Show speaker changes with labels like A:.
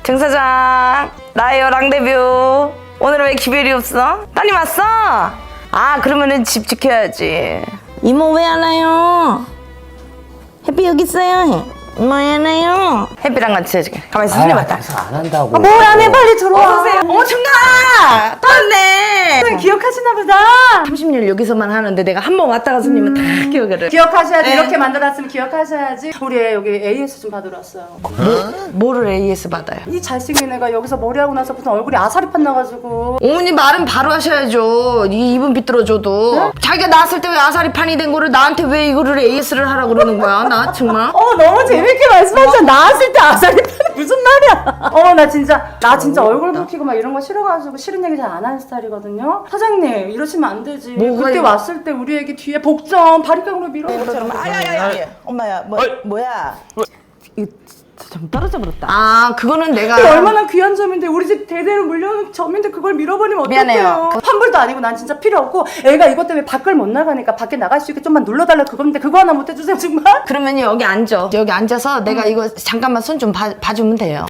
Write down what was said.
A: 정 사장, 나예요, 랑데뷰. 오늘은 왜 기별이 없어? 따님 왔어? 아, 그러면은 집 지켜야지. 이모 왜 안 와요? 햇빛 여기 있어요. 이모 왜 안 와요? 햇빛랑 같이 해줄게. 가만히 있어, 손님 왔다.
B: 안 한다고.
A: 뭐야, 내 빨리 들어와. 어서오세요. 어머, 청가! 또 왔네.
C: 선생님 기억하시나 보다.
A: 30년 여기서만 하는데 내가 한 번 왔다가 손님은 다 기억을 해.
C: 기억하셔야지.
A: 네.
C: 이렇게 만들었으면 기억하셔야지. 우리 애 여기 AS 좀 받으러 왔어요.
A: 뭐를 AS 받아요?
C: 이 잘생긴 애가 여기서 머리하고 나서부터 얼굴이 아사리판 나가지고.
A: 어머니 말은 바로 하셔야죠. 이 입은 비뚤어져도. 자기가 낳았을 때 왜 아사리판이 된 거를 나한테 왜 이거를 AS를 하라고 그러는 거야? 나 정말.
C: 너무 재밌게 말씀하셨어. 나왔을 때 아사리판 무슨 말이야? 나 진짜 얼굴 붉히고 막 이런 거 싫어가지고 싫은 얘기 잘 안 하는 스타일이거든요. 사장님 이러시면 안 되지.
A: 뭐가
C: 그때
A: 이거?
C: 왔을 때 우리 애기 뒤에 복점 바리깡으로 밀어.
D: 아야야야 엄마야 뭐야 이거 좀 떨어져 버렸다.
A: 아, 그거는 내가.
C: 그게 얼마나 귀한 점인데 우리 집 대대로 물려오는 점인데 그걸 밀어버리면
A: 미안해요.
C: 어떡해요. 환불도 아니고 난 진짜 필요 없고 애가 이것 때문에 밖을 못 나가니까 밖에 나갈 수 있게 좀만 눌러달라 그건데 그거 하나 못 해주세요 정말?
A: 그러면 여기 앉아. 여기 앉아서 내가 이거 잠깐만 손 좀 봐주면 돼요.